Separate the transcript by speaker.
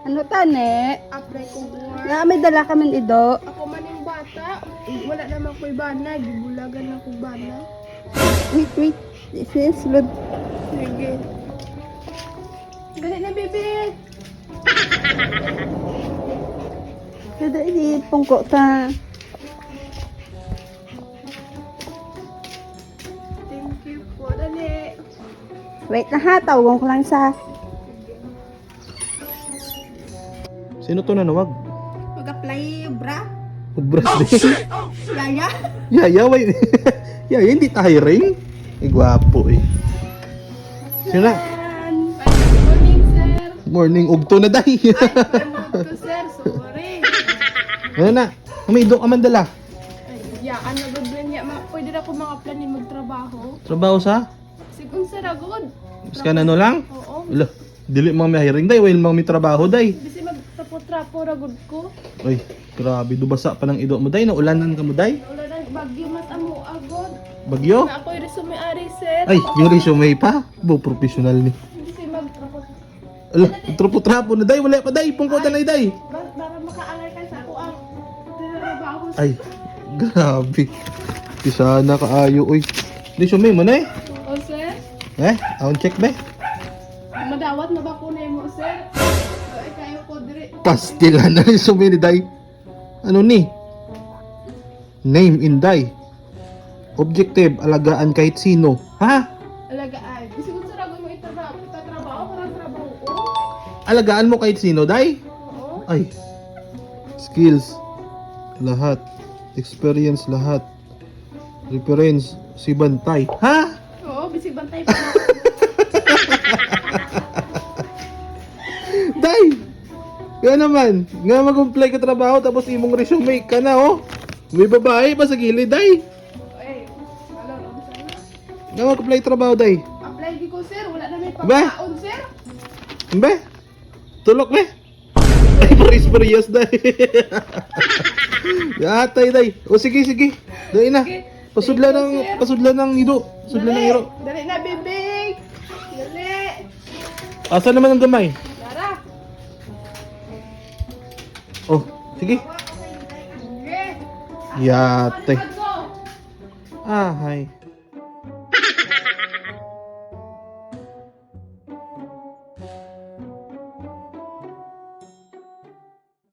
Speaker 1: Ano tane?
Speaker 2: Apply ko buwan.
Speaker 1: Nga may dala ka man ido.
Speaker 2: Ako man yung bata. Wala naman ko'y bana. Gibulagan na ko'y bana.
Speaker 1: Wait. Sis, load.
Speaker 2: Sige. Dali na, baby.
Speaker 1: Kada ini pungko ta.
Speaker 2: Thank you po. Dali.
Speaker 1: Wait na ha, tawagan ko lang sa
Speaker 3: Sino to nanawag?
Speaker 1: mag-apply bra.
Speaker 3: Ubras din.
Speaker 1: Yaya.
Speaker 3: Yaya, wait. Yaya, hindi tayo ring. Gwapo eh. Sino na?
Speaker 2: Good morning, sir.
Speaker 3: Morning, ugto na dahi.
Speaker 2: Ay, panood ko, sir. Sorry.
Speaker 3: Ano na? May idok ka man dala.
Speaker 2: Ay, yaan na good niya. Pwede na ko mga planin magtrabaho.
Speaker 3: Trabaho sa?
Speaker 2: Sigong sir, agod.
Speaker 3: Skan ano lang?
Speaker 2: Oo.
Speaker 3: Ala, dili mga may hiring day, while mga may trabaho day.
Speaker 2: Bisi magtrapo-trapo, ragod ko.
Speaker 3: Ay, grabe, dubasa pa ng idok mo day, naulanan ka mo day.
Speaker 2: Wala na, bagyo matamo, agod.
Speaker 3: Bagyo?
Speaker 2: Na ako'y resume-ari, sir.
Speaker 3: Ay, yung resume pa. Bo, professional ni.
Speaker 2: Bisi magtrapo.
Speaker 3: Ala, trapo-trapo na day, wala pa day, pungko na day.
Speaker 2: Para makaalay ka sa ako ang trabaho.
Speaker 3: Ay, grabe. Di sana kaayo, uy. Resume mo na eh.
Speaker 2: O, sir.
Speaker 3: Aon check ba?
Speaker 2: Madawat na ba ko na mo, sir? Ay, kayo ko dire.
Speaker 3: Pastila na resume ni day. Ano ni? Name in day. Objective, alagaan kahit sino. Ha?
Speaker 2: Alaga ay. Bisi ko sir, agad mo itrabaho. Itatrabaho ko ng trabaho ko.
Speaker 3: Alagaan mo kahit sino, day?
Speaker 2: Oo.
Speaker 3: Ay. Skills. Lahat. Experience lahat. Reference. Si Bantay. Ha?
Speaker 2: Oo, bisi bantay pa na.
Speaker 3: Day! Kaya naman, nga mag-apply ka trabaho tapos imong resume ka na, oh. May babae pa sa gilid, day.
Speaker 2: Ay, wala na sir.
Speaker 3: Nga mag-apply trabaho, day.
Speaker 2: Apply di ko, sir. Wala na may
Speaker 3: Ba?
Speaker 2: pagkaon, sir.
Speaker 3: Mbe? Tulok, be? Ay, paris-parehas, day. Yatay, day. O, sige. Day na. Pasudla ng ido. Pasudla ng iro.
Speaker 2: Dali na, bibig. Dali.
Speaker 3: Asan naman ang gamay?
Speaker 2: Tara.
Speaker 3: Oh, sige.
Speaker 2: Sige.
Speaker 3: Yatay.
Speaker 2: Ano?
Speaker 3: Ah, hi.